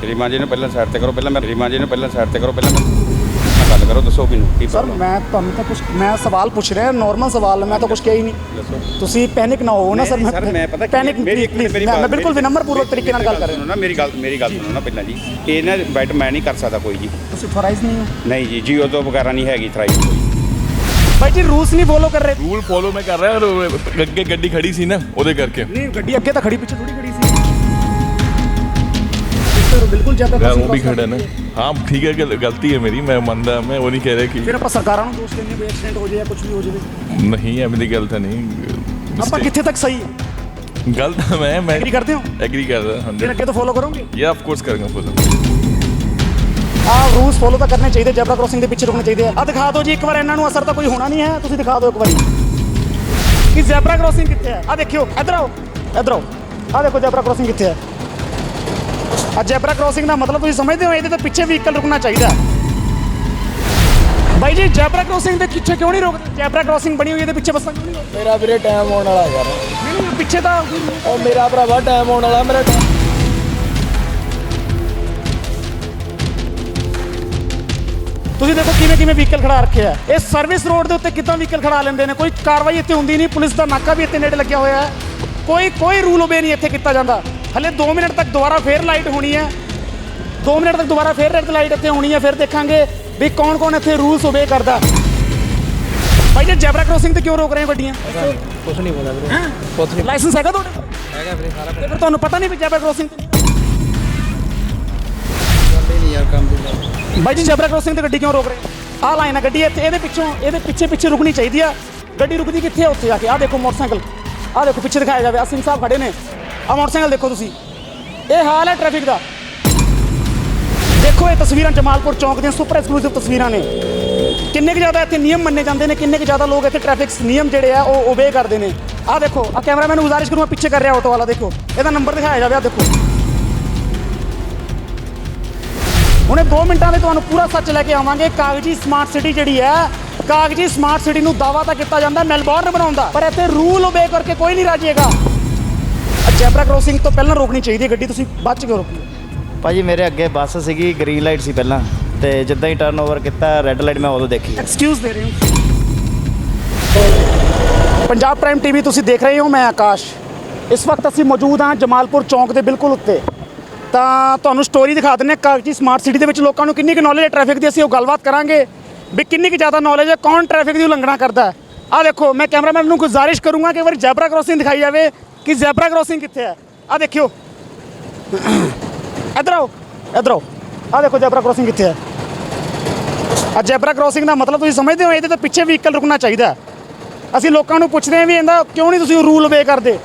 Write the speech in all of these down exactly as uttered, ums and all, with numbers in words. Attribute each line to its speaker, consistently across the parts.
Speaker 1: श्रीमान जी ने पहले साइड ते करो, पहले मैं श्रीमान जी ने पहले साइड ते करो, पहले मैं मैं गल करो, दसो मैनूं की
Speaker 2: सर
Speaker 1: प्रॉब्लम
Speaker 2: मैं ਤੁਹਾਨੂੰ ਤਾਂ ਕੁਝ ਮੈਂ ਸਵਾਲ ਪੁੱਛ ਰਿਹਾ ਨੋਰਮਲ ਸਵਾਲ ਹੈ, ਮੈਂ ਤਾਂ ਕੁਝ ਕਿਹਾ ਹੀ ਨਹੀਂ।
Speaker 1: ਦੱਸੋ।
Speaker 2: ਤੁਸੀਂ ਪੈਨਿਕ ਨਾ ਹੋ ਨਾ ਸਰ।
Speaker 1: ਨਹੀਂ, ਸਰ, ਮੈਂ ਪਤਾ ਕੀ-
Speaker 2: ਪੈਨਿਕ
Speaker 1: ਮੇਰੀ ਇੱਕ ਮਿੰਟ, ਮੇਰੀ
Speaker 2: ਮੈਂ
Speaker 1: ਬਾਤ-
Speaker 2: ਬਿਲਕੁਲ ਵਿਨਮਰਪੂਰਵਕ ਤਰੀਕੇ ਨਾਲ ਗੱਲ ਕਰ ਰਿਹਾ
Speaker 1: ਸੁਣੋ ਨਾ, ਮੇਰੀ ਗੱਲ ਮੇਰੀ ਗੱਲ ਸੁਣੋ ਨਾ ਪਹਿਲਾਂ ਜੀ। ਇਹ ਨਾ ਬੈਟ ਮੈਂ ਨਹੀਂ ਕਰ ਸਕਦਾ ਕੋਈ ਜੀ।
Speaker 2: ਤੁਸੀਂ ਥੋਰਾਈਜ਼ ਨਹੀਂ ਹੋ
Speaker 1: ਨਹੀਂ ਜੀ, ਜੀਓ ਤੋਂ ਵਗੈਰਾ ਨਹੀਂ ਹੈਗੀ ਥਰਾਈ ਕੋਈ।
Speaker 2: ਭਾਈ ਜੀ ਰੂਲਸ ਨਹੀਂ ਫੋਲੋ ਕਰ ਰਹੇ।
Speaker 3: ਰੂਲ ਫੋਲੋ ਮੈਂ ਕਰ ਰਿਹਾ, ਔਰ ਅੱਗੇ ਗੱਡੀ ਖੜੀ ਸੀ ਨਾ ਉਹਦੇ ਕਰਕੇ।
Speaker 2: ਨਹੀਂ ਗੱਡੀ ਅੱਗੇ ਤਾਂ ਖੜੀ, ਪਿੱਛੇ ਥੋੜੀ ਖੜੀ ਸੀ। ਸਰ ਬਿਲਕੁਲ ਜ਼ਿਆਦਾ
Speaker 3: ਮੈਂ ਉਹ ਵੀ ਖੜਾ ਨਾ। ਹਾਂ ਠੀਕ ਹੈ, ਗਲ- ਗਲਤੀ ਹੈ ਮੇਰੀ, ਮੈਂ ਮੰਨਦਾ, ਮੈਂ ਉਹ ਨਹੀਂ ਕਹਿ ਰਿਹਾ
Speaker 2: ਫਿਰ
Speaker 3: ਕਿ
Speaker 2: ਆਪਾਂ ਸਰਕਾਰਾਂ ਨੂੰ ਦੋਸ਼ ਦਿੰਦੇ ਵੀ ਐਕਸੀਡੈਂਟ ਹੋ ਜਾਏ ਜਾਂ ਕੁਝ ਵੀ ਹੋ ਜਾਵੇ।
Speaker 3: ਨਹੀਂ ਐਵੇਂ ਦੀ ਗੱਲ ਤਾਂ ਨਹੀਂ।
Speaker 2: ਆਪਾਂ ਕਿੱਥੇ ਤੱਕ ਸਹੀ ਹੈ?
Speaker 3: ਗਲਤ ਤਾਂ ਮੈਂ ਮੈਂ
Speaker 2: ਐਗਰੀ ਕਰਦੇ ਹੋ?
Speaker 3: ਐਗਰੀ ਕਰਦਾ
Speaker 2: ਫਿਰ
Speaker 3: ਹੰਡਰਡ।
Speaker 2: ਅੱਗੇ ਤੋਂ ਫੋਲੋ ਕਰੋਗੇ?
Speaker 3: ਯਾ ਆਫ ਕੋਰਸ ਕਰਾਂਗਾ ਫੋਲੋ।
Speaker 2: ਆਹ ਰੂਲਸ ਫੋਲੋ ਤਾਂ ਕਰਨੇ ਚਾਹੀਦੇ, ਜੈਬਰਾ ਕ੍ਰੋਸਿੰਗ ਦੇ ਪਿੱਛੇ ਰੁਕਣੇ ਚਾਹੀਦੇ ਆ। ਆ ਦਿਖਾ ਦਿਓ ਜੀ ਇੱਕ ਵਾਰ, ਇਹਨਾਂ ਨੂੰ ਅਸਰ ਤਾਂ ਕੋਈ ਹੋਣਾ ਨਹੀਂ ਹੈ, ਤੁਸੀਂ ਦਿਖਾ ਦਿਓ ਇੱਕ ਵਾਰੀ ਕਿ ਜੈਬਰਾ ਕ੍ਰੋਸਿੰਗ ਕਿੱਥੇ ਹੈ। ਆ ਦੇਖਿਓ, ਇੱਧਰ ਆਓ, ਇੱਧਰ ਆਓ, ਆ ਦੇਖੋ ਜੈਬਰਾ ਕ੍ਰੋਸਿੰਗ ਕਿੱਥੇ ਹੈ। ਆ ਜੈਬਰਾ ਕ੍ਰੋਸਿੰਗ ਦਾ ਮਤਲਬ ਤੁਸੀਂ ਸਮਝਦੇ ਹੋ, ਇਹਦੇ ਤੋਂ ਪਿੱਛੇ ਵਹੀਕਲ ਰੁਕਣਾ ਚਾਹੀਦਾ। ਬਾਈ ਜੀ ਜੈਬਰਾ ਕ੍ਰੋਸਿੰਗ ਦੇ ਪਿੱਛੇ ਕਿਉਂ ਨਹੀਂ ਰੋਕਦੇ? ਜੈਬਰਾ ਕ੍ਰੋਸਿੰਗ ਬਣੀ ਹੋਈ ਇਹਦੇ ਪਿੱਛੇ ਬੱਸਾਂ ਕਿਉਂ ਨਹੀਂ ਰੋਕਦੇ?
Speaker 4: ਮੇਰਾ ਵੀਰੇ ਟਾਈਮ ਆਉਣ ਵਾਲਾ ਯਾਰ।
Speaker 2: ਨਹੀਂ ਨਹੀਂ ਪਿੱਛੇ ਤਾਂ
Speaker 4: ਉਹ ਮੇਰਾ ਭਰਾਵਾ ਟਾਈਮ ਆਉਣ ਵਾਲਾ, ਮੇਰਾ time-
Speaker 2: ਤੁਸੀਂ ਦੇਖੋ ਕਿਵੇਂ ਕਿਵੇਂ ਵਹੀਕਲ ਖੜਾ ਰੱਖਿਆ ਹੈ। ਇਹ ਸਰਵਿਸ ਰੋਡ ਦੇ ਉੱਤੇ ਕਿੱਦਾਂ ਵਹੀਕਲ ਖੜਾ ਲੈਂਦੇ ਨੇ? ਕੋਈ ਕਾਰਵਾਈ ਇੱਥੇ ਹੁੰਦੀ ਨਹੀਂ। ਪੁਲਿਸ ਦਾ ਨਾਕਾ ਵੀ ਇੱਥੇ ਨੇੜੇ ਲੱਗਿਆ ਹੋਇਆ ਹੈ। ਕੋਈ ਕੋਈ ਰੂਲ ਓਬੇ ਨਹੀਂ ਇੱਥੇ ਕੀਤਾ ਜਾਂਦਾ। ਹਲੇ ਦੋ ਮਿੰਟ ਤੱਕ ਦੁਬਾਰਾ ਫੇਰ ਲਾਈਟ ਹੋਣੀ ਹੈ। ਦੋ ਮਿੰਟ ਤੱਕ ਦੁਬਾਰਾ ਫੇਰ ਰੈੱਡ ਲਾਈਟ ਇੱਥੇ ਹੋਣੀ ਹੈ। ਫਿਰ ਦੇਖਾਂਗੇ ਵੀ ਕੌਣ ਕੌਣ ਇੱਥੇ ਰੂਲਸ ਓਬੇ ਕਰਦਾ। ਭਾਈ ਜੀ ਜੈਬਰਾ ਕ੍ਰੋਸਿੰਗ ਤੇ ਕਿਉਂ ਰੋਕ ਰਹੇ ਹੋ ਗੱਡੀਆਂ?
Speaker 4: ਕੁਛ ਨਹੀਂ ਪਤਾ ਵੀਰੇ,
Speaker 2: ਹੈਂ?
Speaker 4: ਕੁਛ ਨਹੀਂ
Speaker 2: ਲਾਇਸੈਂਸ ਹੈਗਾ ਤੁਹਾਡੇ ਕੋਲ?
Speaker 4: ਹੈਗਾ ਵੀਰੇ, ਸਾਰਾ
Speaker 2: ਤੇ ਫਿਰ ਤੁਹਾਨੂੰ ਪਤਾ ਨਹੀਂ ਵੀ ਜੈਬਰਾ ਕ੍ਰੋਸਿੰਗ ਤੇ
Speaker 4: ਗੱਲ ਹੀ ਨਹੀਂ ਯਾਰ ਕੰਮ ਦੀ।
Speaker 2: ਬਾਈ ਜੀ ਜੈਬਰਾ ਕ੍ਰੋਸਿੰਗ ਤੇ ਗੱਡੀ ਕਿਉਂ ਰੋਕ ਰਹੇ ਹੋ? ਆਹ ਲਾਈਨ ਹੈ ਗੱਡੀ ਇੱਥੇ, ਇਹਦੇ ਪਿੱਛੋਂ ਇਹਦੇ ਪਿੱਛੇ ਪਿੱਛੇ ਰੁਕਣੀ ਚਾਹੀਦੀ ਆ। ਗੱਡੀ ਰੁਕਦੀ ਕਿੱਥੇ ਹੈ? ਉੱਥੇ ਜਾ ਕੇ। ਆਹ ਦੇਖੋ ਮੋਟਰਸਾਈਕਲ, ਆਹ ਦੇਖੋ ਪਿੱਛੇ ਦਿਖਾਇਆ ਜਾਵੇ। ਅਸੀਮ ਸਾਹਿਬ ਖੜੇ ਨੇ, ਆਹ ਮੋਟਰਸਾਈਕਲ ਦੇਖੋ ਤੁਸੀਂ। ਇਹ ਹਾਲ ਹੈ ਟ੍ਰੈਫਿਕ ਦਾ। ਦੇਖੋ ਇਹ ਤਸਵੀਰਾਂ ਜਮਾਲਪੁਰ ਚੌਂਕ ਦੀਆਂ ਸੁਪਰ ਐਕਸਕਲੂਸਿਵ ਤਸਵੀਰਾਂ ਨੇ। ਕਿੰਨੇ ਕੁ ਜ਼ਿਆਦਾ ਇੱਥੇ ਨਿਯਮ ਮੰਨੇ ਜਾਂਦੇ ਨੇ, ਕਿੰਨੇ ਕੁ ਜ਼ਿਆਦਾ ਲੋਕ ਇੱਥੇ ਟ੍ਰੈਫਿਕ ਨਿਯਮ ਜਿਹੜੇ ਆ ਉਹ ਓਬੇ ਕਰਦੇ ਨੇ। ਆਹ ਦੇਖੋ, ਆਹ ਕੈਮਰਾਮੈਨ ਨੂੰ ਗੁਜ਼ਾਰਿਸ਼ ਕਰੂੰਗਾ, ਪਿੱਛੇ ਕਰ ਰਿਹਾ ਆਟੋ ਵਾਲਾ, ਦੇਖੋ ਇਹਦਾ ਨੰਬਰ ਦਿਖਾਇਆ ਜਾਵੇ। ਆਹ ਦੇਖੋ, ਹੁਣੇ ਦੋ ਮਿੰਟਾਂ ਵਿੱਚ ਤੁਹਾਨੂੰ ਪੂਰਾ ਸੱਚ ਲੈ ਕੇ ਆਵਾਂਗੇ। ਕਾਗਜ਼ੀ ਸਮਾਰਟ ਸਿਟੀ ਜਿਹੜੀ ਹੈ, ਕਾਗਜ਼ੀ ਸਮਾਰਟ ਸਿਟੀ ਨੂੰ ਦਾਅਵਾ ਤਾਂ ਕੀਤਾ ਜਾਂਦਾ ਮੈਲਬੌਰਨ ਬਣਾਉਣ ਦਾ, ਪਰ ਇੱਥੇ ਰੂਲ ਓਬੇ ਕਰਕੇ ਕੋਈ ਨਹੀਂ ਰਾਜੀਏਗਾ। ਜੈਬਰਾ ਕ੍ਰੋਸਿੰਗ ਤੋਂ ਪਹਿਲਾਂ ਰੋਕਣੀ ਚਾਹੀਦੀ ਹੈ ਗੱਡੀ, ਤੁਸੀਂ ਬਾਅਦ ਚ ਕਿਉਂ ਰੋਕੀ?
Speaker 5: ਭਾਜੀ ਮੇਰੇ ਅੱਗੇ ਬੱਸ ਸੀਗੀ, ਗ੍ਰੀਨ ਲਾਈਟ ਸੀ ਪਹਿਲਾਂ, ਤੇ ਜਿੱਦਾਂ ਹੀ ਟਰਨ ਓਵਰ ਕੀਤਾ ਰੈੱਡ ਲਾਈਟ ਮੈਂ ਉਦੋਂ ਦੇਖੀ।
Speaker 2: ਐਕਸਕਿਊਜ਼ ਦੇ ਰਹੇ ਹੋ। ਪੰਜਾਬ ਪ੍ਰਾਈਮ ਟੀਵੀ ਤੁਸੀਂ ਦੇਖ ਰਹੇ ਹੋ, ਮੈਂ ਆਕਾਸ਼। ਇਸ ਵਕਤ ਅਸੀਂ ਮੌਜੂਦ ਹਾਂ ਜਮਾਲਪੁਰ ਚੌਂਕ ਦੇ ਬਿਲਕੁਲ ਉੱਤੇ। ਤਾਂ ਤੁਹਾਨੂੰ ਸਟੋਰੀ ਦਿਖਾ ਦਿੰਦੇ ਹਾਂ ਕਾਗਜ਼ੀ ਸਮਾਰਟ ਸਿਟੀ ਦੇ ਵਿੱਚ ਲੋਕਾਂ ਨੂੰ ਕਿੰਨੀ ਕੁ ਨੌਲੇਜ ਹੈ ਟ੍ਰੈਫਿਕ ਦੀ। ਅਸੀਂ ਉਹ ਗੱਲਬਾਤ ਕਰਾਂਗੇ ਵੀ ਕਿੰਨੀ ਕੁ ਜ਼ਿਆਦਾ ਨੌਲੇਜ ਹੈ, ਕੌਣ ਟ੍ਰੈਫਿਕ ਦੀ ਉਲੰਘਣਾ ਕਰਦਾ ਹੈ। ਆਹ ਦੇਖੋ, ਮੈਂ ਕੈਮਰਾਮੈਨ ਨੂੰ ਗੁਜ਼ਾਰਿਸ਼ ਕਰੂੰਗਾ ਕਿ ਇੱਕ ਵਾਰੀ ਜੈਬਰਾ ਕ੍ਰੋਸਿੰਗ ਦਿਖਾਈ ਜਾਵੇ ਕਿ ਜੈਬਰਾ ਕ੍ਰੋਸਿੰਗ ਕਿੱਥੇ ਹੈ। ਆਹ ਦੇਖਿਓ, ਇੱਧਰ ਆਓ, ਇੱਧਰ ਆਓ, ਆਹ ਦੇਖੋ ਜੈਬਰਾ ਕ੍ਰੋਸਿੰਗ ਕਿੱਥੇ ਹੈ। ਆ ਜੈਬਰਾ ਕ੍ਰੋਸਿੰਗ ਦਾ ਮਤਲਬ ਤੁਸੀਂ ਸਮਝਦੇ ਹੋ, ਇਹਦੇ ਤੋਂ ਪਿੱਛੇ ਵਹੀਕਲ ਰੁਕਣਾ ਚਾਹੀਦਾ। ਅਸੀਂ ਲੋਕਾਂ ਨੂੰ ਪੁੱਛਦੇ ਹਾਂ ਵੀ ਇਹਦਾ ਕਿਉਂ ਨਹੀਂ ਤੁਸੀਂ ਰੂਲ ਓਬੇ ਕਰਦੇ?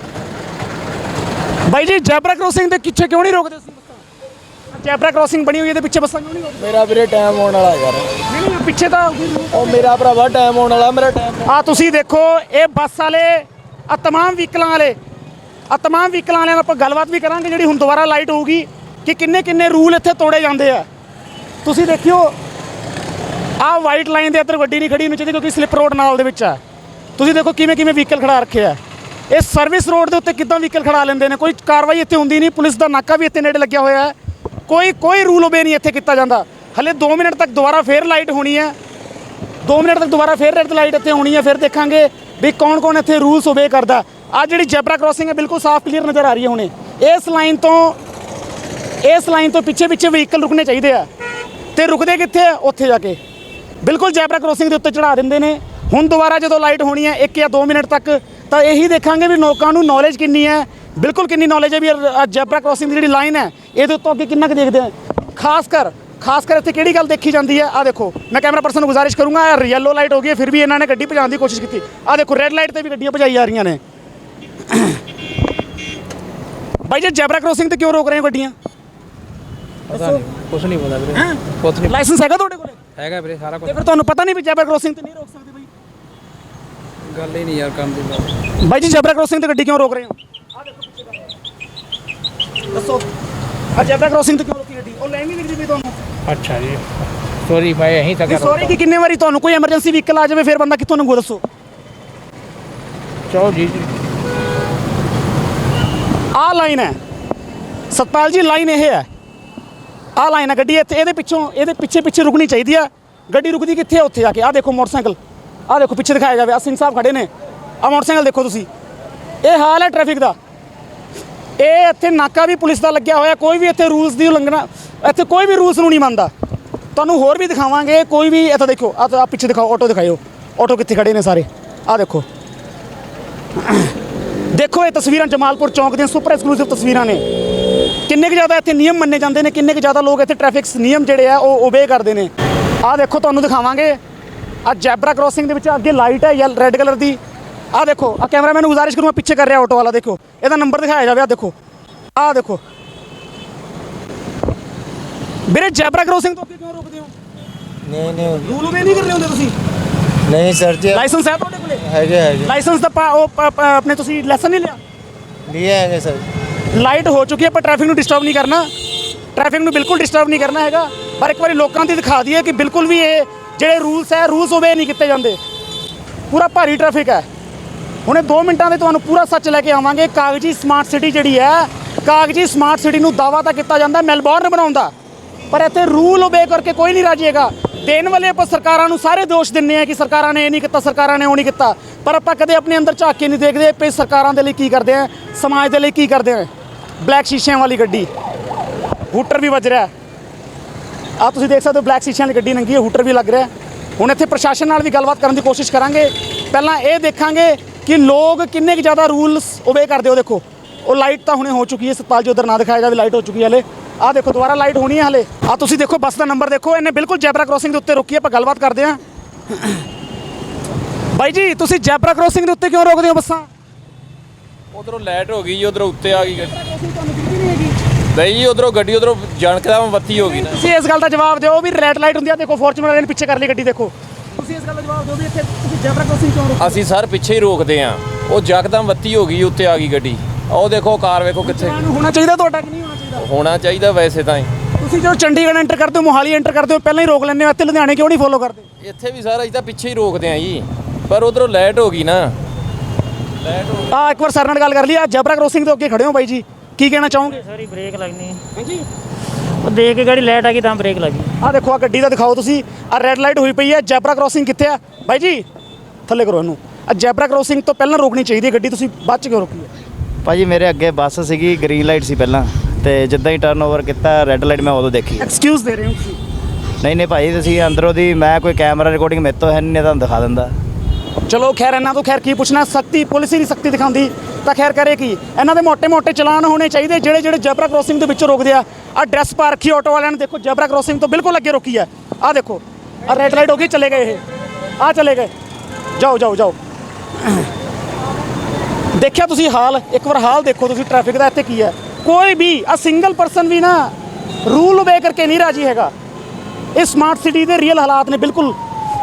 Speaker 2: ਬਾਈ ਜੀ ਜੈਬਰਾ ਕ੍ਰੋਸਿੰਗ ਦੇ ਪਿੱਛੇ ਕਿਉਂ ਨਹੀਂ ਰੋਕਦੇ ਤੁਸੀਂ ਬੱਸਾਂ? ਜੈਬਰਾ ਕ੍ਰੋਸਿੰਗ ਬਣੀ ਹੋਈ ਇਹਦੇ ਪਿੱਛੇ ਬੱਸਾਂ ਕਿਉਂ ਨਹੀਂ ਰੋਕਦੇ?
Speaker 4: ਮੇਰਾ ਵੀਰੇ ਟਾਈਮ ਆਉਣ ਵਾਲਾ ਯਾਰ।
Speaker 2: ਨਹੀਂ ਨਹੀਂ ਪਿੱਛੇ ਤਾਂ
Speaker 4: ਉਹ ਮੇਰਾ ਭਰਾਵਾ ਟਾਈਮ ਆਉਣ ਵਾਲਾ, ਮੇਰਾ ਟਾਈਮ।
Speaker 2: ਆ ਤੁਸੀਂ ਦੇਖੋ, ਇਹ ਬੱਸ ਵਾਲੇ, ਆ ਤਮਾਮ ਵਹੀਕਲਾਂ ਵਾਲੇ, ਆ ਤਮਾਮ ਵਹੀਕਲਾਂ ਵਾਲਿਆਂ ਨਾਲ ਆਪਾਂ ਗੱਲਬਾਤ ਵੀ ਕਰਾਂਗੇ ਜਿਹੜੀ ਹੁਣ ਦੁਬਾਰਾ ਲਾਈਟ ਹੋਊਗੀ ਕਿ ਕਿੰਨੇ ਕਿੰਨੇ ਰੂਲ ਇੱਥੇ ਤੋੜੇ ਜਾਂਦੇ ਆ। ਤੁਸੀਂ ਦੇਖਿਓ, ਆਹ ਵਾਈਟ ਲਾਈਨ ਦੇ ਅੰਦਰ ਗੱਡੀ ਨਹੀਂ ਖੜੀ ਹੋਣੀ ਚਾਹੀਦੀ ਕਿਉਂਕਿ ਸਲਿੱਪ ਰੋਡ ਨਾਲ ਦੇ ਵਿੱਚ ਆ। ਤੁਸੀਂ ਦੇਖੋ ਕਿਵੇਂ ਕਿਵੇਂ ਵਹੀਕਲ ਖੜਾ ਰੱਖਿਆ। ਇਹ ਸਰਵਿਸ ਰੋਡ ਦੇ ਉੱਤੇ ਕਿੱਦਾਂ ਵਹੀਕਲ ਖੜਾ ਲੈਂਦੇ ਨੇ? ਕੋਈ ਕਾਰਵਾਈ ਇੱਥੇ ਹੁੰਦੀ ਨਹੀਂ। ਪੁਲਿਸ ਦਾ ਨਾਕਾ ਵੀ ਇੱਥੇ ਨੇੜੇ ਲੱਗਿਆ ਹੋਇਆ ਹੈ। ਕੋਈ ਕੋਈ ਰੂਲ ਓਬੇ ਨਹੀਂ ਇੱਥੇ ਕੀਤਾ ਜਾਂਦਾ। ਹਲੇ ਦੋ ਮਿੰਟ ਤੱਕ ਦੁਬਾਰਾ ਫੇਰ ਲਾਈਟ ਹੋਣੀ ਹੈ। ਦੋ ਮਿੰਟ ਤੱਕ ਦੁਬਾਰਾ ਫੇਰ ਰੈੱਡ ਲਾਈਟ ਇੱਥੇ ਹੋਣੀ ਹੈ। ਫਿਰ ਦੇਖਾਂਗੇ ਵੀ ਕੌਣ ਕੌਣ ਇੱਥੇ ਰੂਲਸ ਓਬੇ ਕਰਦਾ। ਆਹ ਜਿਹੜੀ ਜੈਬਰਾ ਕ੍ਰੋਸਿੰਗ ਹੈ ਬਿਲਕੁਲ ਸਾਫ਼ ਕਲੀਅਰ ਨਜ਼ਰ ਆ ਰਹੀ ਹੈ ਹੁਣੇ। ਇਸ ਲਾਈਨ ਤੋਂ ਇਸ ਲਾਈਨ ਤੋਂ ਪਿੱਛੇ ਪਿੱਛੇ ਵਹੀਕਲ ਰੁਕਣੇ ਚਾਹੀਦੇ ਆ, ਤੇ ਰੁਕਦੇ ਕਿੱਥੇ ਆ? ਉੱਥੇ ਜਾ ਕੇ ਬਿਲਕੁਲ ਜੈਬਰਾ ਕ੍ਰੋਸਿੰਗ ਦੇ ਉੱਤੇ ਚੜ੍ਹਾ ਦਿੰਦੇ ਨੇ। ਹੁਣ ਦੁਬਾਰਾ ਜਦੋਂ ਲਾਈਟ ਹੋਣੀ ਹੈ ਇੱਕ ਜਾਂ ਦੋ ਮਿੰਟ ਤੱਕ, ਤਾਂ ਇਹੀ ਦੇਖਾਂਗੇ ਵੀ ਲੋਕਾਂ ਨੂੰ ਨੌਲੇਜ ਕਿੰਨੀ ਹੈ, ਬਿਲਕੁਲ ਕਿੰਨੀ ਨੌਲੇਜ ਹੈ ਵੀ ਜੈਬਰਾ ਕ੍ਰੋਸਿੰਗ ਦੀ ਜਿਹੜੀ ਲਾਈਨ ਹੈ ਇਹਦੇ ਉੱਤੋਂ ਅੱਗੇ ਕਿੰਨਾ ਕੁ ਦੇਖਦੇ ਆ। ਖਾਸ ਕਰ ਖਾਸ ਕਰ ਇੱਥੇ ਕਿਹੜੀ ਗੱਲ ਦੇਖੀ ਜਾਂਦੀ ਹੈ? ਆਹ ਦੇਖੋ, ਮੈਂ ਕੈਮਰਾ ਪਰਸਨ ਨੂੰ ਗੁਜ਼ਾਰਿਸ਼ ਕਰੂੰਗਾ, ਯੈਲੋ ਲਾਈਟ ਹੋ ਗਈ ਹੈ ਫਿਰ ਵੀ ਇਹਨਾਂ ਨੇ ਗੱਡੀ ਭਜਾਉਣ ਦੀ ਕੋਸ਼ਿਸ਼ ਕੀਤੀ। ਆਹ ਦੇਖੋ ਰੈੱਡ ਲਾਈਟ ਤੇ ਵੀ ਗੱਡੀਆਂ ਭਜਾਈ ਜਾ ਰਹੀਆਂ ਨੇ। ਬਾਈ ਜੀ ਜੈਬਰਾ ਕ੍ਰੋਸਿੰਗ ਤੇ ਕਿਉਂ ਰੋਕ ਰਹੇ ਹੋ ਗੱਡੀਆਂ?
Speaker 4: ਪਤਾ ਨਹੀਂ, ਕੁਛ ਨਹੀਂ ਪਤਾ ਵੀਰੇ, ਕੁਛ ਨਹੀਂ।
Speaker 2: ਲਾਇਸੈਂਸ ਹੈਗਾ ਤੁਹਾਡੇ ਕੋਲ?
Speaker 4: ਹੈਗਾ ਵੀਰੇ, ਸਾਰਾ ਕੁਛ।
Speaker 2: ਤੇ ਫਿਰ ਤੁਹਾਨੂੰ ਪਤਾ ਨਹੀਂ ਵੀ ਜੈਬਰਾ ਕ੍ਰੋਸਿੰਗ ਤੇ ਨਹੀਂ ਰੋਕ ਸਕਦੇ? ਬਾਈ
Speaker 4: ਗੱਲ ਹੀ ਨਹੀਂ ਯਾਰ ਕੰਮ ਦੀ।
Speaker 2: ਬਾਈ ਜੀ ਜੈਬਰਾ ਕ੍ਰੋਸਿੰਗ ਤੇ ਗੱਡੀ ਕਿਉਂ ਰੋਕ ਰਹੇ ਹੋ? ਆਹ ਦੇਖੋ ਪਿੱਛੇ ਕਰ ਰਹੇ। ਦੱਸੋ, ਆ ਜੈਬਰਾ ਕ੍ਰੋਸਿੰਗ ਤੇ ਕਿਉਂ ਰੋਕੀ ਗੱਡੀ? ਉਹ ਲਾਈਨ ਨਹੀਂ ਦਿਖਦੀ ਪਈ ਤੁਹਾਨੂੰ?
Speaker 4: ਅੱਛਾ ਜੀ, ਸੌਰੀ ਮੈਂ ਯਹੀਂ ਤੱਕ।
Speaker 2: ਸੌਰੀ ਕਿ ਕਿੰਨੇ ਵਾਰੀ ਤੁਹਾਨੂੰ ਕੋਈ ਐਮਰਜੈਂਸੀ ਵਹੀਕਲ ਆ ਜਾਵੇ ਫਿਰ ਬੰਦਾ ਕਿੱਥੋਂ ਲੰਘੂ? ਦੱਸੋ।
Speaker 4: ਚਲੋ ਜੀ ਜੀ।
Speaker 2: ਆਹ ਲਾਈਨ ਹੈ ਸਤਪਾਲ ਜੀ, ਲਾਈਨ ਇਹ ਹੈ। ਆਹ ਲਾਈਨ ਆ ਗੱਡੀ ਇੱਥੇ ਇਹਦੇ ਪਿੱਛੋਂ ਇਹਦੇ ਪਿੱਛੇ ਪਿੱਛੇ ਰੁਕਣੀ ਚਾਹੀਦੀ ਆ ਗੱਡੀ ਰੁਕਦੀ ਕਿੱਥੇ ਆ ਉੱਥੇ ਆ ਕੇ ਆਹ ਦੇਖੋ ਮੋਟਰਸਾਈਕਲ ਆਹ ਦੇਖੋ ਪਿੱਛੇ ਦਿਖਾਇਆ ਜਾਵੇ ਆ ਸਿੰਘ ਸਾਹਿਬ ਖੜੇ ਨੇ ਆਹ ਮੋਟਰਸਾਈਕਲ ਦੇਖੋ ਤੁਸੀਂ ਇਹ ਹਾਲ ਹੈ ਟ੍ਰੈਫਿਕ ਦਾ ਇਹ ਇੱਥੇ ਨਾਕਾ ਵੀ ਪੁਲਿਸ ਦਾ ਲੱਗਿਆ ਹੋਇਆ ਕੋਈ ਵੀ ਇੱਥੇ ਰੂਲਸ ਦੀ ਉਲੰਘਣਾ ਇੱਥੇ ਕੋਈ ਵੀ ਰੂਲਸ ਨੂੰ ਨਹੀਂ ਮੰਨਦਾ ਤੁਹਾਨੂੰ ਹੋਰ ਵੀ ਦਿਖਾਵਾਂਗੇ ਕੋਈ ਵੀ ਇੱਥੇ ਦੇਖੋ ਆਹ ਆਹ ਪਿੱਛੇ ਦਿਖਾਓ ਆਟੋ ਦਿਖਾਇਓ ਆਟੋ ਕਿੱਥੇ ਖੜੇ ਨੇ ਸਾਰੇ ਆਹ ਦੇਖੋ ਦੇਖੋ ਇਹ ਤਸਵੀਰਾਂ ਜਮਾਲਪੁਰ ਚੌਂਕ ਦੀਆਂ ਸੁਪਰ ਐਕਸਕਲੂਸਿਵ ਤਸਵੀਰਾਂ ਨੇ ਕਿੰਨੇ ਕੁ ਜ਼ਿਆਦਾ ਇੱਥੇ ਨਿਯਮ ਮੰਨੇ ਜਾਂਦੇ ਨੇ ਕਿੰਨੇ ਕੁ ਜ਼ਿਆਦਾ ਲੋਕ ਇੱਥੇ ਟ੍ਰੈਫਿਕ ਨਿਯਮ ਜਿਹੜੇ ਆ ਉਹ ਓਬੇ ਕਰਦੇ ਨੇ ਆਹ ਦੇਖੋ ਤੁਹਾਨੂੰ ਦਿਖਾਵਾਂਗੇ ਆਹ ਜੈਬਰਾ ਕ੍ਰੋਸਿੰਗ ਦੇ ਵਿੱਚ ਅੱਗੇ ਲਾਈਟ ਹੈ ਯੈਲ ਰੈੱਡ ਕਲਰ ਦੀ ਆਹ ਦੇਖੋ ਆਹ ਕੈਮਰਾਮੈਨ ਨੂੰ ਗੁਜ਼ਾਰਿਸ਼ ਕਰੂੰਗਾ ਪਿੱਛੇ ਕਰ ਰਿਹਾ ਆਟੋ ਵਾਲਾ ਦੇਖੋ ਇਹਦਾ ਨੰਬਰ ਦਿਖਾਇਆ ਜਾਵੇ ਆਹ ਦੇਖੋ ਆਹ ਦੇਖੋ ਵੀਰੇ ਜੈਬਰਾ ਕ੍ਰੋਸਿੰਗ ਤੋਂ ਅੱਗੇ ਕਿਉਂ ਰੋਕਦੇ ਹੋ
Speaker 6: ਨਹੀਂ ਨਹੀਂ
Speaker 2: ਰੂਲ ਓਬੇ ਨਹੀਂ ਕਰ ਰਹੇ ਹੁੰਦੇ ਤੁਸੀਂ
Speaker 6: ਨਹੀਂ ਸਰ ਜੀ
Speaker 2: ਲਾਇਸੈਂਸ ਹੈ ਤੁਹਾਡੇ ਕੋਲੇ
Speaker 6: ਹੈਗੇ ਹੈਗੇ
Speaker 2: ਲਾਇਸੈਂਸ ਦਾ ਪਾ- ਉਹ ਪ- ਪ- ਆਪਣੇ ਤੁਸੀਂ ਲੈਸਨ ਨਹੀਂ ਲਿਆ
Speaker 6: लिए ਹੈਗੇ ਸਰ
Speaker 2: ਲਾਈਟ ਹੋ ਚੁੱਕੀ ਹੈ ਪਰ ਟ੍ਰੈਫਿਕ ਨੂੰ ਡਿਸਟਰਬ ਨਹੀਂ ਕਰਨਾ ਟ੍ਰੈਫਿਕ ਨੂੰ ਬਿਲਕੁਲ ਡਿਸਟਰਬ ਨਹੀਂ ਕਰਨਾ ਹੈਗਾ ਪਰ ਇੱਕ ਵਾਰੀ ਲੋਕਾਂ ਦੀ ਦਿਖਾ ਦਈਏ ਕਿ ਬਿਲਕੁਲ ਵੀ ਇਹ ਜਿਹੜੇ ਰੂਲਸ ਹੈ ਰੂਲਸ ਓਬੇ ਨਹੀਂ ਕੀਤੇ ਜਾਂਦੇ ਪੂਰਾ ਭਾਰੀ ਟ੍ਰੈਫਿਕ ਹੈ ਹੁਣੇ ਦੋ ਮਿੰਟਾਂ ਦੇ ਤੁਹਾਨੂੰ ਪੂਰਾ ਸੱਚ ਲੈ ਕੇ ਆਵਾਂਗੇ ਕਾਗਜੀ ਸਮਾਰਟ ਸਿਟੀ ਜਿਹੜੀ ਹੈ ਕਾਗਜੀ ਸਮਾਰਟ ਸਿਟੀ ਨੂੰ ਦਾਅਵਾ ਤਾਂ ਕੀਤਾ ਜਾਂਦਾ ਮੈਲਬੌਰਨ ਬਣਾਉਣ ਦਾ ਪਰ ਇੱਥੇ ਰੂਲ ਓਬੇ ਕਰਕੇ ਕੋਈ ਨਹੀਂ ਰਾਜੀ ਹੈਗਾ ਦੇਣ ਵਾਲੇ ਆਪਾਂ ਸਰਕਾਰਾਂ ਨੂੰ ਸਾਰੇ ਦੋਸ਼ ਦਿੰਦੇ ਆ ਕਿ ਸਰਕਾਰਾਂ ਨੇ ਇਹ ਨਹੀਂ ਕੀਤਾ ਸਰਕਾਰਾਂ ਨੇ ਉਹ ਨਹੀਂ ਕੀਤਾ ਪਰ ਆਪਾਂ ਕਦੇ ਆਪਣੇ ਅੰਦਰ ਝਾਕ ਕੇ ਨਹੀਂ ਦੇਖਦੇ ਪਈ ਸਰਕਾਰਾਂ ਦੇ ਲਈ ਕੀ ਕਰਦੇ ਆ ਸਮਾਜ ਦੇ ਲਈ ਕੀ ਕਰਦੇ ਆ ਬਲੈਕ ਸ਼ੀਸ਼ਿਆਂ ਵਾਲੀ ਗੱਡੀ ਹੂਟਰ ਵੀ ਵੱਜ ਰਿਹਾ ਆ ਤੁਸੀਂ ਦੇਖ ਸਕਦੇ ਹੋ ਬਲੈਕ ਸ਼ੀਸ਼ਿਆਂ ਵਾਲੀ ਗੱਡੀ ਨੰਗੀ ਹੈ ਹੂਟਰ ਵੀ ਲੱਗ ਰਿਹਾ ਹੁਣ ਇੱਥੇ ਪ੍ਰਸ਼ਾਸਨ ਨਾਲ ਵੀ ਗੱਲਬਾਤ ਕਰਨ ਦੀ ਕੋਸ਼ਿਸ਼ ਕਰਾਂਗੇ ਪਹਿਲਾਂ ਇਹ ਦੇਖਾਂਗੇ ਕਿ ਲੋਕ ਕਿੰਨੇ ਕੁ ਜ਼ਿਆਦਾ ਰੂਲਸ ਓਬੇ ਕਰਦੇ ਹੋ ਦੇਖੋ ਉਹ ਲਾਈਟ ਤਾਂ ਹੁਣੇ ਹੋ ਚੁੱਕੀ ਹੈ ਸਤਪਾਲ ਜੀ ਉਧਰ ਨਾ ਦਿਖਾਇਆ ਜਾਵੇ ਲਾਈਟ ਹੋ ਚੁੱਕੀ ਹੈ ਹਲੇ ਆਹ ਦੇਖੋ ਦੁਬਾਰਾ ਲਾਈਟ ਹੋਣੀ ਹੈ ਹਲੇ ਆਹ ਤੁਸੀਂ ਦੇਖੋ ਬੱਸ ਦਾ ਨੰਬਰ ਦੇਖੋ ਇਹਨੇ ਬਿਲਕੁਲ ਜੈਬਰਾ ਕ੍ਰੋਸਿੰਗ ਦੇ ਉੱਤੇ ਰੋਕੀ ਆਪਾਂ ਗੱਲਬਾਤ ਕਰਦੇ ਹਾਂ ਬਾਈ ਜੀ ਤੁਸੀਂ ਜੈਬਰਾ ਕ੍ਰੋਸਿੰਗ ਦੇ ਉੱਤੇ ਕਿਉਂ ਰੋਕਦੇ ਹੋ ਬੱਸਾਂ
Speaker 7: ਉਧਰੋਂ ਲਾਈਟ ਹੋ ਗਈ ਜੀ ਉਧਰੋਂ ਉੱਤੇ ਆ ਗਈ ਗੱਡੀ ਨਹੀਂ ਜੀ ਉਧਰੋਂ ਗੱਡੀ ਉਧਰੋਂ ਜਣਕਦਾ ਬੱਤੀ ਹੋ ਗਈ ਨਾ
Speaker 2: ਤੁਸੀਂ ਇਸ ਗੱਲ ਦਾ ਜਵਾਬ ਦਿਓ ਵੀ ਰੈੱਡ ਲਾਈਟ ਹੁੰਦੀ ਆ ਦੇਖੋ ਫੋਰਚੂਨਰ ਵਾਲੇ ਨੇ ਪਿੱਛੇ ਕਰ ਲਈ ਗੱਡੀ ਦੇਖੋ ਤੁਸੀਂ ਇਸ ਗੱਲ ਦਾ ਜਵਾਬ ਦਿਓ ਵੀ ਇੱਥੇ ਤੁਸੀਂ ਜੈਬਰਾ ਕ੍ਰੋਸਿੰਗ ਕਿਉਂ ਰੋਕਦੇ
Speaker 7: ਅਸੀਂ ਸਰ ਪਿੱਛੇ ਹੀ ਰੋਕਦੇ ਆ ਉਹ ਜਕਦਮ ਬੱਤੀ ਹੋ ਗਈ ਉੱਤੇ ਆ ਗਈ ਗੱਡੀ ਉਹ ਦੇਖੋ ਕਾਰ ਵੇਖੋ ਕਿੱਥੇ
Speaker 2: ਹੋ ਹੋਣਾ ਚਾਹੀਦਾ ਤੁਹਾਡਾ ਕਿ ਨਹੀਂ ਹੋਣਾ ਚਾਹੀਦਾ
Speaker 7: ਹੋਣਾ ਚਾਹੀਦਾ ਵੈਸੇ ਤਾਂ ਹੀ।
Speaker 2: ਤੁਸੀਂ ਜਦੋਂ ਚੰਡੀਗੜ੍ਹ ਐਂਟਰ ਕਰਦੇ ਹੋ ਮੋਹਾਲੀ ਐਂਟਰ ਕਰਦੇ ਹੋ ਪਹਿਲਾਂ ਹੀ ਰੋਕ ਲੈਂਦੇ ਹੋ ਇੱਥੇ ਲੁਧਿਆਣੇ ਕਿਉਂ ਨਹੀਂ ਫੋਲੋ ਕਰਦੇ
Speaker 7: ਇੱਥੇ ਵੀ ਸਰ ਅਸੀਂ ਤਾਂ ਪਿੱਛੇ ਹੀ ਰੋਕਦੇ ਆ ਜੀ ਪਰ ਉਧਰੋਂ ਲਾਈਟ ਹੋ ਗਈ ਨਾ ਲਾਈਟ ਹੋ
Speaker 2: ਆ ਇੱਕ ਵਾਰ ਸਰ ਨਾਲ ਗੱਲ ਕਰ ਲਈ ਆ ਜੈਬਰਾ ਕ੍ਰੋਸਿੰਗ ਤੋਂ ਅੱਗੇ ਖੜੇ ਹੋ ਬਾਈ ਜੀ ਕੀ ਕਹਿਣਾ ਚਾਹੋਗੇ
Speaker 4: ਸਾਰੀ ਬ੍ਰੇਕ ਲੱਗਣੀ
Speaker 2: ਹਾਂਜੀ
Speaker 4: ਉਹ ਦੇਖ ਕੇ ਗਾੜੀ ਲਾਈਟ ਆ ਗਈ ਤਾਂ ਬ੍ਰੇਕ ਲੱਗੀ
Speaker 2: ਆ ਦੇਖੋ ਆ ਗੱਡੀ ਦਾ ਦਿਖਾਓ ਤੁਸੀਂ ਆ ਰੈੱਡ ਲਾਈਟ ਹੋਈ ਪਈ ਹੈ ਜੈਬਰਾ ਕ੍ਰੋਸਿੰਗ ਕਿੱਥੇ ਆ ਬਾਈ ਜੀ ਥੱਲੇ ਕਰੋ ਇਹਨੂੰ ਆ ਜੈਬਰਾ ਕ੍ਰੋਸਿੰਗ ਤੋਂ ਪਹਿਲਾਂ ਰੋਕਣੀ ਚਾਹੀਦੀ ਹੈ ਗੱਡੀ ਤੁਸੀਂ ਬਾਅਦ ਚ ਕਿਉਂ ਰੋਕੀ ਹੈ
Speaker 5: ਭਾਜੀ ਮੇਰੇ ਅੱਗੇ ਬੱਸ ਸੀਗੀ ਗ੍ਰੀਨ ਲਾਈਟ ਸੀ ਪਹਿਲਾਂ ਤੇ ਜਿੱਦਾਂ ਹੀ ਟਰਨ ਓਵਰ ਕੀਤਾ ਰੈੱਡ ਲਾਈਟ ਮੈਂ ਉਦੋਂ ਦੇਖੀ
Speaker 2: ਐਕਸਕਿਊਜ਼ ਦੇ ਰਹੇ ਹੋ ਤੁਸੀਂ
Speaker 5: ਨਹੀਂ ਨਹੀਂ ਭਾਈ ਤੁਸੀਂ ਅੰਦਰੋਂ ਦੀ ਮੈਂ ਕੋਈ ਕੈਮਰਾ ਰਿਕਾਰਡਿੰਗ ਮੇਰੇ ਤੋਂ ਹੈ ਨਹੀਂ ਤੁਹਾਨੂੰ ਦਿਖਾ ਦਿੰਦਾ
Speaker 2: ਚਲੋ ਖੈਰ ਇਹਨਾਂ ਤੋਂ ਖੈਰ ਕੀ ਪੁੱਛਣਾ ਸਖਤੀ ਪੁਲਿਸ ਹੀ ਨਹੀਂ ਸਖਤੀ ਦਿਖਾਉਂਦੀ ਤਾਂ ਖੈਰ ਕਰੇ ਕੀ ਇਹਨਾਂ ਦੇ ਮੋٹے-ਮੋٹے ਚਲਾਨ ਹੋਣੇ ਚਾਹੀਦੇ ਜਿਹੜੇ ਜਿਹੜੇ ਜੈਬਰਾ ਕ੍ਰੋਸਿੰਗ ਦੇ ਵਿੱਚ ਰੋਕਦੇ ਆ ਆ ਡਰੈਸ ਪਾ ਰੱਖੀ ਆਟੋ ਵਾਲਿਆਂ ਨੇ ਦੇਖੋ ਜੈਬਰਾ ਕ੍ਰੋਸਿੰਗ ਤੋਂ ਬਿਲਕੁਲ ਅੱਗੇ ਰੋਕੀ ਹੈ ਆ ਦੇਖੋ ਆ ਰੈੱਡ ਲਾਈਟ ਹੋ ਗਈ ਚਲੇ ਗਏ ਇਹ ਆ ਚਲੇ ਗਏ ਜਾਓ ਜਾਓ ਜਾਓ ਦੇਖਿਆ ਤੁਸੀਂ ਹਾਲ ਇੱਕ ਵਾਰ ਹਾਲ ਦੇਖੋ ਤੁਸੀਂ ਟ੍ਰੈਫਿਕ ਦਾ ਇੱਥੇ ਕੀ ਹੈ ਕੋਈ ਵੀ ਆ ਸਿੰਗਲ ਪਰਸਨ ਵੀ ਨਾ ਰੂਲ ਓਬੇ ਕਰਕੇ ਨਹੀਂ ਰਾਜੀ ਹੈਗਾ ਇਹ ਸਮਾਰਟ ਸਿਟੀ ਦੇ ਰੀਅਲ ਹਾਲਾਤ ਨੇ ਬਿਲਕੁਲ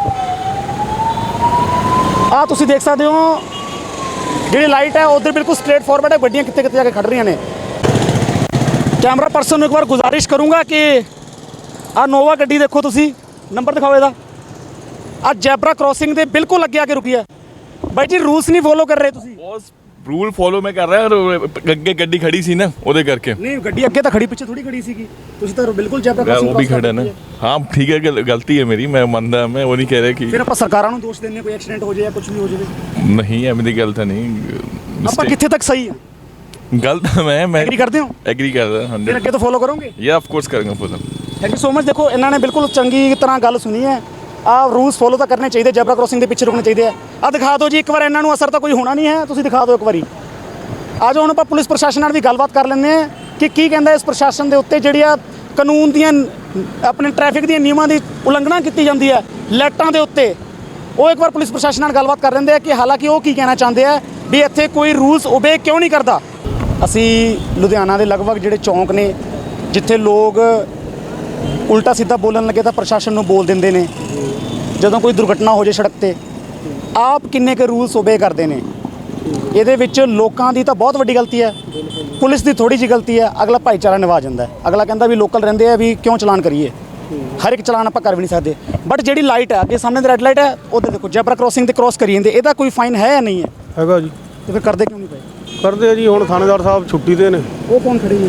Speaker 2: ਆ ਤੁਸੀਂ ਦੇਖ ਸਕਦੇ ਹੋ ਜਿਹੜੀ ਲਾਈਟ ਹੈ ਉਧਰ ਬਿਲਕੁਲ ਸਟ੍ਰੇਟ ਫਾਰਵਰਡ ਹੈ ਗੱਡੀਆਂ ਕਿੱਥੇ ਕਿੱਥੇ ਜਾ ਕੇ ਖੜ ਰਹੀਆਂ ਨੇ ਕੈਮਰਾ ਪਰਸਨ ਨੂੰ ਇੱਕ ਵਾਰ ਗੁਜ਼ਾਰਿਸ਼ ਕਰੂੰਗਾ ਕਿ ਆ ਨੋਵਾ ਗੱਡੀ ਦੇਖੋ ਤੁਸੀਂ ਨੰਬਰ ਦਿਖਾਓ ਇਹਦਾ ਆ ਜੈਬਰਾ ਕ੍ਰੋਸਿੰਗ ਦੇ ਬਿਲਕੁਲ ਅੱਗੇ ਆ ਕੇ ਰੁਕੀ ਹੈ ਬਾਈ ਜੀ ਰੂਲਸ ਨਹੀਂ ਫੋਲੋ ਕਰ ਰਹੇ ਤੁਸੀਂ
Speaker 3: ਬॉस ਰੂਲ ਫੋਲੋ ਮੈਂ ਕਰ ਰਿਹਾ ਅੱਗੇ ਗੱਡੀ ਖੜੀ ਸੀ ਨਾ ਉਹਦੇ ਕਰਕੇ
Speaker 2: ਨਹੀਂ ਗੱਡੀ ਅੱਗੇ ਤਾਂ ਖੜੀ ਪਿੱਛੇ ਥੋੜੀ ਖੜੀ ਸੀਗੀ ਤੁਸੀਂ ਤਾਂ ਬਿਲਕੁਲ ਜੈਬਰਾ
Speaker 3: ਯਾਰ
Speaker 2: ਕ੍ਰੋਸਿੰਗ
Speaker 3: ਉਹ ਵੀ ਖੜਾ ਨਾ ਹਾਂ ਠੀਕ ਹੈ ਗਲ- ਗਲਤੀ ਹੈ ਮੇਰੀ ਮੈਂ ਮੰਨਦਾ ਮੈਂ ਉਹ ਨਹੀਂ ਕਹਿ ਰਿਹਾ ਕਿ
Speaker 2: ਫਿਰ ਆਪਾਂ ਸਰਕਾਰਾਂ ਨੂੰ ਦੋਸ਼ ਦਿੰਦੇ ਕੋਈ ਐਕਸੀਡੈਂਟ ਹੋ ਜਾਏ ਜਾਂ ਕੁਝ ਵੀ ਹੋ ਜਾਵੇ
Speaker 3: ਨਹੀਂ ਐਵੇਂ ਦੀ ਗੱਲ ਤਾਂ ਨਹੀਂ
Speaker 2: ਆਪਾਂ
Speaker 3: mistake-
Speaker 2: ਕਿੱਥੇ ਤੱਕ ਸਹੀ ਆ
Speaker 3: ਗਲਤ ਮੈਂ ਮੈਂ
Speaker 2: ਐਗਰੀ ਕਰਦੇ ਹੋ
Speaker 3: ਐਗਰੀ ਕਰਦਾ
Speaker 2: ਫਿਰ
Speaker 3: ਹੰਡਰਡ
Speaker 2: ਅੱਗੇ ਤੋਂ ਫੋਲੋ ਕਰੋਗੇ
Speaker 3: ਯਾ ਆਫ ਕੋਰਸ ਕਰਾਂਗਾ follow
Speaker 2: thank you so much ਦੇਖੋ ਇਹਨਾਂ ਨੇ ਬਿਲਕੁਲ ਚੰਗੀ ਤਰ੍ਹਾਂ ਗੱਲ ਸੁਣੀ ਹੈ ਆ ਰੂਲਸ ਫੋਲੋ ਤਾਂ ਕਰਨੇ ਚਾਹੀਦੇ ਜੈਬਰਾ ਕ੍ਰੋਸਿੰਗ ਦੇ ਪਿੱਛੇ ਰੁਕਣੇ ਚਾਹੀਦੇ ਆ ਆ ਦਿਖਾ ਦਿਓ ਜੀ ਇੱਕ ਵਾਰ ਇਹਨਾਂ ਨੂੰ ਅਸਰ ਤਾਂ ਕੋਈ ਹੋਣਾ ਨਹੀਂ ਹੈ ਤੁਸੀਂ ਦਿਖਾ ਦਿਓ ਇੱਕ ਵਾਰੀ ਆ ਜਾਓ ਹੁਣ ਆਪਾਂ ਪੁਲਿਸ ਪ੍ਰਸ਼ਾਸਨ ਨਾਲ ਵੀ ਗੱਲਬਾਤ ਕਰ ਲੈਂਦੇ ਹਾਂ ਕਿ ਕੀ ਕਹਿੰਦਾ ਇਸ ਪ੍ਰਸ਼ਾਸਨ ਦੇ ਉੱਤੇ ਜਿਹੜੀ ਆ ਕਾਨੂੰਨ ਦੀਆਂ ਆਪਣੇ ਟ੍ਰੈਫਿਕ ਦੀਆਂ ਨਿਯਮਾਂ ਦੀ ਉਲੰਘਣਾ ਕੀਤੀ ਜਾਂਦੀ ਹੈ ਲਾਈਟਾਂ ਦੇ ਉੱਤੇ ਉਹ ਇੱਕ ਵਾਰ ਪੁਲਿਸ ਪ੍ਰਸ਼ਾਸਨ ਨਾਲ ਗੱਲਬਾਤ ਕਰ ਲੈਂਦੇ ਆ ਕਿ ਹਾਲਾਂਕਿ ਉਹ ਕੀ ਕਹਿਣਾ ਚਾਹੁੰਦੇ ਆ ਵੀ ਇੱਥੇ ਕੋਈ ਰੂਲਸ ਓਬੇ ਕਿਉਂ ਨਹੀਂ ਕਰਦਾ ਅਸੀਂ ਲੁਧਿਆਣਾ ਦੇ ਲਗਭਗ ਜਿਹੜੇ ਚੌਂਕ ਨੇ ਜਿੱਥੇ ਲੋਕ ਉਲਟਾ ਸਿੱਧਾ ਬੋਲਣ ਲੱਗੇ ਤਾਂ ਪ੍ਰਸ਼ਾਸਨ ਨੂੰ ਬੋਲ ਦਿੰਦੇ ਨੇ ਜਦੋਂ ਕੋਈ ਦੁਰਘਟਨਾ ਹੋ ਜਾਏ ਸੜਕ ਤੇ ਆਪ ਕਿੰਨੇ ਕੁ ਰੂਲਸ ਓਬੇ ਕਰਦੇ ਨੇ ਇਹਦੇ ਵਿੱਚ ਲੋਕਾਂ ਦੀ ਤਾਂ ਬਹੁਤ ਵੱਡੀ ਗਲਤੀ ਹੈ ਪੁਲਿਸ ਦੀ ਥੋੜੀ ਜਿਹੀ ਗਲਤੀ ਹੈ ਅਗਲਾ ਭਾਈਚਾਰਾ ਨਿਭਾ ਜਾਂਦਾ ਹੈ ਅਗਲਾ ਕਹਿੰਦਾ ਵੀ ਲੋਕਲ ਰਹਿੰਦੇ ਆ ਵੀ ਕਿਉਂ ਚਲਾਨ ਕਰੀਏ ਹਰ ਇੱਕ ਚਲਾਨ ਆਪਾਂ ਕਰ ਵੀ ਨਹੀਂ ਸਕਦੇ ਬਟ ਜਿਹੜੀ ਲਾਈਟ ਹੈ ਅੱਗੇ ਸਾਹਮਣੇ ਦੀ ਰੈੱਡ ਲਾਈਟ ਹੈ ਉਹਦੇ ਦੇਖੋ ਜੈਬਰਾ ਕ੍ਰੋਸਿੰਗ ਤੇ ਕ੍ਰੋਸ ਕਰੀ ਜਾਂਦੇ ਇਹਦਾ ਕੋਈ ਫਾਈਨ ਹੈ ਜਾਂ ਨਹੀਂ ਹੈ
Speaker 8: ਹੈਗਾ ਜੀ
Speaker 2: ਤੇ ਫਿਰ ਕਰਦੇ ਕਿਉਂ ਨਹੀਂ ਪਏ
Speaker 8: ਕਰਦੇ ਆ ਜੀ ਹੁਣ ਥਾਣੇਦਾਰ ਸਾਹਿਬ ਛੁੱਟੀ ਤੇ ਨੇ
Speaker 2: ਉਹ ਕੌਣ ਖੜੀ ਹੈ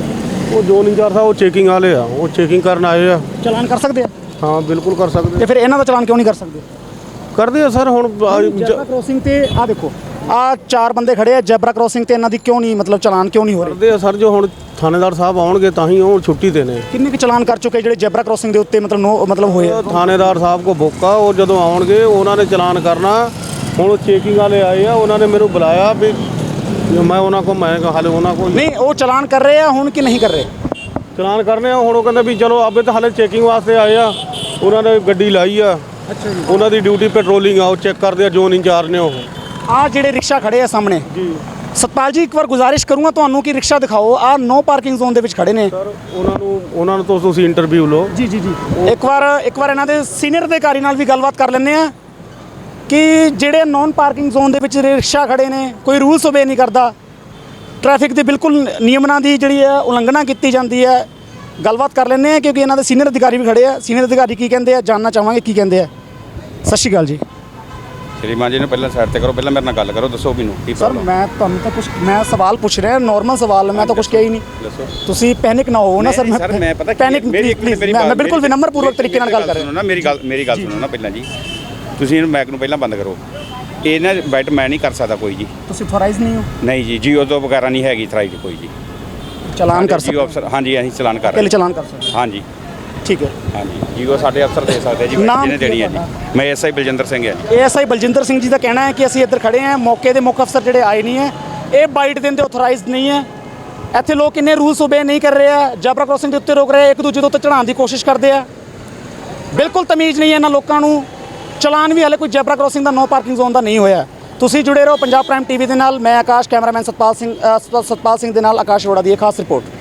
Speaker 8: ਉਹ ਜੋਨ ਇੰਚਾਰਜ ਸਾਹਿਬ ਉਹ ਚੈਕਿੰਗ ਵਾਲੇ ਆ, ਉਹ ਚੈਕਿੰਗ ਕਰਨ ਆਏ ਆ।
Speaker 2: ਚਲਾਨ ਕਰ ਸਕਦੇ ਆ
Speaker 8: ਹਾਂ ਬਿਲਕੁਲ ਕਰ ਸਕਦੇ
Speaker 2: ਤੇ ਫਿਰ ਇਹਨਾਂ ਦਾ ਚਲਾਨ ਕਿਉਂ ਨਹੀਂ ਕਰ ਸਕਦੇ?
Speaker 8: ਕਰਦੇ ਆ ਸਰ। ਹੁਣ
Speaker 2: ਜੈਬਰਾ ਕ੍ਰੋਸਿੰਗ ਤੇ ਆ ਦੇਖੋ ਆ ਚਾਰ ਬੰਦੇ ਖੜੇ ਆ ਜੈਬਰਾ ਕ੍ਰੋਸਿੰਗ ਤੇ, ਇਹਨਾਂ ਦੀ ਕਿਉਂ ਨਹੀਂ ਮਤਲਬ ਚਲਾਨ ਕਿਉਂ ਨਹੀਂ ਹੋ ਰਹੇ?
Speaker 8: ਕਰਦੇ ਆ ਸਰ, ਜੋ ਹੁਣ ਥਾਣੇਦਾਰ ਸਾਹਿਬ ਆਉਣਗੇ ਤਾਂ ਹੀ ਉਹ ਛੁੱਟੀ ਤੇ ਨੇ।
Speaker 2: ਕਿੰਨੇ ਕੁ ਚਲਾਨ ਕਰ ਚੁੱਕੇ ਜਿਹੜੇ ਜੈਬਰਾ ਕ੍ਰੋਸਿੰਗ ਦੇ ਉੱਤੇ ਮਤਲਬ ਨੋ ਮਤਲਬ ਹੋਏ ਆ?
Speaker 8: ਥਾਣੇਦਾਰ ਸਾਹਿਬ ਕੋ ਬੁੱਕਾ, ਉਹ ਜਦੋਂ ਆਉਣਗੇ ਉਹਨਾਂ ਨੇ ਚਲਾਨ ਕਰਨਾ। ਹੁਣ ਚੈਕਿੰਗ ਵਾਲੇ ਆਏ ਆ, ਉਹਨਾਂ ਨੇ ਮੈਨੂੰ ਬੁਲਾਇਆ ਵੀ ਮੈਂ ਉਹਨਾਂ ਕੋ ਮੈਂ ਕਿਹਾ ਹਾਲੇ ਉਹਨਾਂ ਕੋ
Speaker 2: ਨਹੀਂ ਉਹ ਚਲਾਨ ਕਰ ਰਹੇ ਆ ਹੁਣ ਕਿ ਨਹੀਂ ਕਰ ਰਹੇ?
Speaker 8: ਚਲਾਨ ਕਰਨੇ ਆ। ਹੁਣ ਉਹ ਕਹਿੰਦੇ ਵੀ ਚਲੋ ਆਪੇ ਤਾਂ ਹਾਲੇ ਚੈਕਿੰਗ ਵਾਸਤੇ ਆਏ ਆ, ਉਹਨਾਂ ਨੇ ਗੱਡੀ ਲਾਈ ਆ।
Speaker 2: ਅੱਛਾ ਜੀ।
Speaker 8: ਉਹਨਾਂ ਦੀ ਡਿਊਟੀ ਪੈਟਰੋਲਿੰਗ ਆ, ਉਹ ਚੈੱਕ ਕਰਦੇ ਆ, ਜੋਨ ਇੰਚਾਰਜ ਨੇ ਉਹ।
Speaker 2: ਆ ਜਿਹੜੇ ਰਿਕਸ਼ਾ ਖੜੇ ਆ ਸਾਹਮਣੇ ਜੀ, ਸਤਪਾਲ ਜੀ ਇੱਕ ਵਾਰ ਗੁਜ਼ਾਰਿਸ਼ ਕਰੂੰਗਾ ਤੁਹਾਨੂੰ ਕਿ ਰਿਕਸ਼ਾ ਦਿਖਾਓ। ਆ ਨੋ ਪਾਰਕਿੰਗ ਜ਼ੋਨ ਦੇ ਵਿੱਚ ਖੜੇ ਨੇ
Speaker 8: ਸਰ ਉਹਨਾਂ ਨੂੰ ਉਹਨਾਂ ਨੂੰ ਤੋਂ ਤੁਸੀਂ ਇੰਟਰਵਿਊ ਲਓ।
Speaker 2: ਜੀ ਜੀ ਜੀ ਇੱਕ ਵਾਰ ਇੱਕ ਵਾਰ ਇਹਨਾਂ ਦੇ ਸੀਨੀਅਰ ਅਧਿਕਾਰੀ ਨਾਲ ਵੀ ਗੱਲਬਾਤ ਕਰ ਲੈਂਦੇ ਆ ਕਿ ਜਿਹੜੇ ਨੌਨ ਪਾਰਕਿੰਗ ਜ਼ੋਨ ਦੇ ਵਿੱਚ ਰਿਕਸ਼ਾ ਖੜੇ ਨੇ, ਕੋਈ ਰੂਲਸ ਓਬੇ ਨਹੀਂ ਕਰਦਾ, ਟ੍ਰੈਫਿਕ ਦੇ ਬਿਲਕੁਲ ਨਿਯਮਾਂ ਦੀ ਜਿਹੜੀ ਹੈ ਉਲੰਘਣਾ ਕੀਤੀ ਜਾਂਦੀ ਹੈ। ਗੱਲਬਾਤ ਕਰ ਲੈਂਦੇ ਆ ਕਿਉਂਕਿ ਇਹਨਾਂ ਦੇ ਸੀਨੀਅਰ ਅਧਿਕਾਰੀ ਵੀ ਖੜੇ ਆ। ਸੀਨੀਅਰ ਅਧਿਕਾਰੀ ਕੀ ਕਹਿੰਦੇ ਆ ਜਾਣਨਾ ਚਾਹਾਂਗੇ ਕੀ ਕਹਿੰਦੇ ਆ। ਸਤਿ ਸ਼੍ਰੀ ਅਕਾਲ ਜੀ।
Speaker 1: ਸ਼੍ਰੀਮਾਨ ਜੀ ਨੂੰ ਪਹਿਲਾਂ ਸਾਈਡ ਤੇ ਕਰੋ, ਪਹਿਲਾਂ ਮੇਰੇ ਨਾਲ ਗੱਲ ਕਰੋ, ਦੱਸੋ ਮੈਨੂੰ ਕੀ
Speaker 2: ਸਰ
Speaker 1: ਪ੍ਰੋਬਲਮ
Speaker 2: ਮੈਂ ਤੁਹਾਨੂੰ ਤਾਂ ਕੁਝ ਮੈਂ ਸਵਾਲ ਪੁੱਛ ਰਿਹਾ, ਨਾਰਮਲ ਸਵਾਲ, ਮੈਂ ਤਾਂ ਕੁਝ ਕਿਹਾ ਹੀ ਨਹੀਂ।
Speaker 1: ਦੱਸੋ।
Speaker 2: ਤੁਸੀਂ ਪੈਨਿਕ ਨਾ ਹੋ ਨਾ ਸਰ।
Speaker 1: ਸਰ ਮੈਂ ਪਤਾ
Speaker 2: ਪੈਨਿਕ
Speaker 1: ਮੇਰੀ ਇੱਕ ਮਿੰਟ ਮੇਰੀ
Speaker 2: ਮੈਂ ਬਿਲਕੁਲ ਵਿਨਮਰ ਪੂਰਵਕ ਤਰੀਕੇ ਨਾਲ ਗੱਲ ਕਰ ਰਿਹਾ।
Speaker 1: ਸੁਣੋ ਨਾ ਮੇਰੀ ਗੱਲ ਮੇਰੀ ਗੱਲ ਸੁਣੋ ਨਾ ਪਹਿਲਾਂ ਜੀ। ਤੁਸੀਂ ਇਹਨੂੰ ਮਾਈਕ ਨੂੰ ਪਹਿਲਾਂ ਬੰਦ ਕਰੋ। ਇਹ ਨਾ ਬੈਟ ਮੈਂ ਨਹੀਂ ਕਰ ਸਕਦਾ ਕੋਈ ਜੀ।
Speaker 2: ਤੁਸੀਂ ਅਥੋਰਾਈਜ਼ ਨਹੀਂ ਹੋ?
Speaker 1: ਨਹੀਂ ਜੀ, ਜੀਓ ਤੋਂ ਵਗੈਰਾ ਨਹੀਂ ਹੈਗੀ ਥਰਾਈ ਕੋਈ ਜੀ।
Speaker 2: ਚਲਾਨ ਕਰ
Speaker 1: ਜੀਓ
Speaker 2: ਸਕਦੇ
Speaker 1: ਅਫਸਰ ਹਾਂਜੀ ਅਸੀਂ ਚਲਾਨ ਕਰ ਰਹੇ
Speaker 2: ਪਹਿਲੇ ਚਲਾਨ ਕਰ ਸਕਦੇ
Speaker 1: ਹਾਂਜੀ
Speaker 2: ਠੀਕ ਹੈ।
Speaker 1: ਹਾਂਜੀ ਜੀਓ ਸਾਡੇ ਅਫਸਰ ਦੇ ਸਕਦੇ ਜੀ,
Speaker 2: ਨਾਮ
Speaker 1: ਜਿਹਨੇ
Speaker 2: ਕੀ
Speaker 1: ਦੇਣੀ ਹੈ
Speaker 2: ਹੈ
Speaker 1: ਜੀ। ਮੈਂ ਐਸਆਈ ਬਲਜਿੰਦਰ ਸਿੰਘ ਹੈ ਜੀ।
Speaker 2: ਏਐਸਆਈ ਬਲਜਿੰਦਰ ਸਿੰਘ ਜੀ ਦਾ ਕਹਿਣਾ ਹੈ ਕਿ ਅਸੀਂ ਇੱਧਰ ਖੜੇ ਹਾਂ, ਮੌਕੇ ਦੇ ਮੁੱਖ ਅਫਸਰ ਜਿਹੜੇ ਆਏ ਨਹੀਂ ਹੈ, ਇਹ ਬਾਈਟ ਦਿੰਦੇ ਅਥੋਰਾਈਜ਼ਡ ਨਹੀਂ ਹੈ। ਇੱਥੇ ਲੋਕ ਇੰਨੇ ਰੂਲਸ ਓਬੇ ਨਹੀਂ ਕਰ ਰਹੇ ਆ, ਜੈਬਰਾ ਕ੍ਰੋਸਿੰਗ ਦੇ ਉੱਤੇ ਰੋਕ ਰਹੇ ਆ, ਇੱਕ ਦੂਜੇ ਦੇ ਉੱਤੇ ਚੜਾਉਣ ਦੀ ਕੋਸ਼ਿਸ਼ ਕਰਦੇ ਆ। ਬਿਲਕੁਲ ਤਮੀਜ਼ ਨਹੀਂ ਹੈ ਇਹਨਾਂ ਲੋਕਾਂ ਨੂੰ। ਚਲਾਨ ਵੀ ਹਾਲੇ ਕੋਈ ਜੈਬਰਾ ਕ੍ਰੋਸਿੰਗ ਦਾ ਨੋ ਪਾਰਕਿੰਗ ਜ਼ੋਨ ਦਾ ਨਹੀਂ ਹੋਇਆ। ਤੁਸੀਂ ਜੁੜੇ ਰਹੋ ਪੰਜਾਬ ਪ੍ਰਾਈਮ ਟੀਵੀ ਦੇ ਨਾਲ। ਮੈਂ ਆਕਾਸ਼, ਕੈਮਰਾਮੈਨ ਸਤਪਾਲ ਸਿੰਘ ਅ, ਸਤਪਾਲ ਸਿੰਘ ਦੇ ਨਾਲ ਆਕਾਸ਼ ਅਰੋੜਾ ਦੀ ਇਹ ਖਾਸ ਰਿਪੋਰਟ।